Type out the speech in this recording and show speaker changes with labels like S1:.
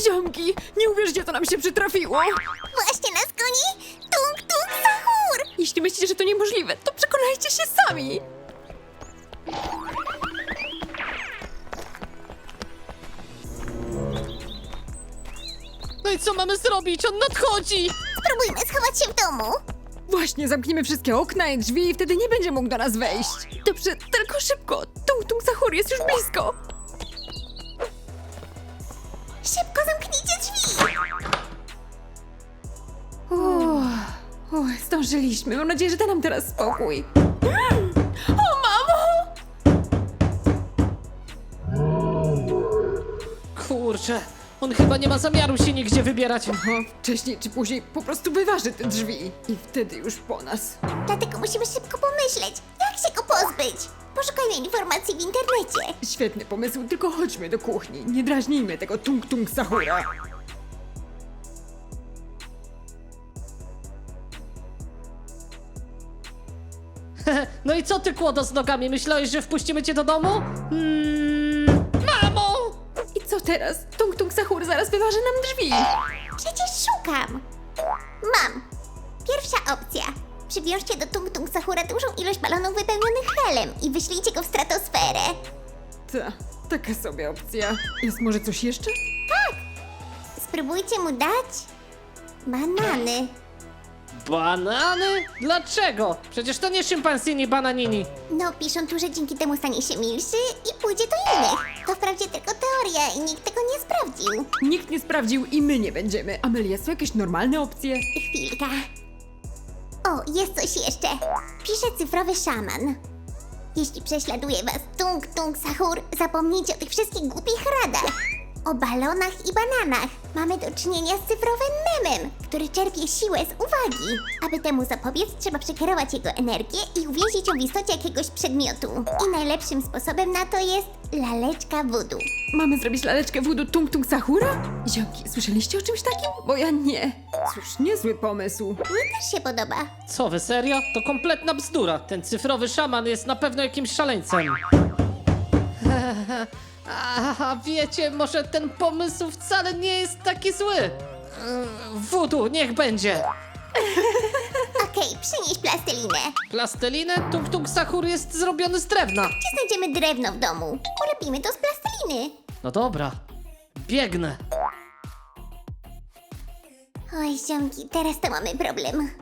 S1: Ziomki, nie uwierzycie, co nam się przytrafiło.
S2: Właśnie nas goni Tung Tung Sahur!
S1: Jeśli myślicie, że to niemożliwe, to przekonajcie się sami.
S3: No i co mamy zrobić? On nadchodzi!
S2: Spróbujmy schować się w domu.
S1: Właśnie, zamkniemy wszystkie okna i drzwi i wtedy nie będzie mógł do nas wejść. Dobrze, tylko szybko. Tung Tung Sahur jest już blisko.
S2: Szybko zamknijcie drzwi!
S1: Zdążyliśmy. Mam nadzieję, że da nam teraz spokój. O, mamo!
S3: Kurczę, on chyba nie ma zamiaru się nigdzie wybierać.
S1: Wcześniej czy później po prostu wyważy te drzwi. I wtedy już po nas.
S2: Dlatego musimy szybko pomyśleć, jak się go pozbyć. Poszukajmy informacji w internecie.
S1: Świetny pomysł, tylko chodźmy do kuchni. Nie drażnijmy tego Tung Tung Sahura.
S3: No i co ty, kłodo z nogami? Myślałeś, że wpuścimy cię do domu? Mamo!
S1: I co teraz? Tung Tung Sahur zaraz wyważy nam drzwi.
S2: Przecież szukam. Mam. Pierwsza opcja. Przywiążcie do Tung Tung Sahura dużą ilość balonów wypełnionych helem i wyślijcie go w stratosferę.
S1: Taka sobie opcja. Jest może coś jeszcze?
S2: Spróbujcie mu dać banany.
S3: Banany? Dlaczego? Przecież to nie szympansini bananini.
S2: No, piszą tu, że dzięki temu stanie się milszy i pójdzie do innych. To wprawdzie tylko teoria i nikt tego nie sprawdził.
S1: Nikt nie sprawdził i my nie będziemy. Amelia, są jakieś normalne opcje?
S2: Chwilka. O, jest coś jeszcze. Pisze cyfrowy szaman. Jeśli prześladuje was Tung Tung Sahur, zapomnijcie o tych wszystkich głupich radach. O balonach i bananach. Mamy do czynienia z cyfrowym memem, który czerpie siłę z uwagi. Aby temu zapobiec, trzeba przekierować jego energię i uwięzić ją w istocie jakiegoś przedmiotu. I najlepszym sposobem na to jest laleczka voodoo.
S1: Mamy zrobić laleczkę voodoo Tung Tung Sahura? Ziomki, słyszeliście o czymś takim? Bo ja nie. Cóż, niezły pomysł.
S2: Mnie też się podoba.
S3: Co wy, serio? To kompletna bzdura. Ten cyfrowy szaman jest na pewno jakimś szaleńcem. A wiecie, może ten pomysł wcale nie jest taki zły. Voodoo, niech będzie.
S2: Okej, przynieś plastelinę.
S3: Plastelinę? Tung Tung Sahur jest zrobiony z drewna.
S2: Gdzie znajdziemy drewno w domu? Ulepimy to z plasteliny.
S3: No dobra, biegnę.
S2: Oj, ziomki, teraz to mamy problem.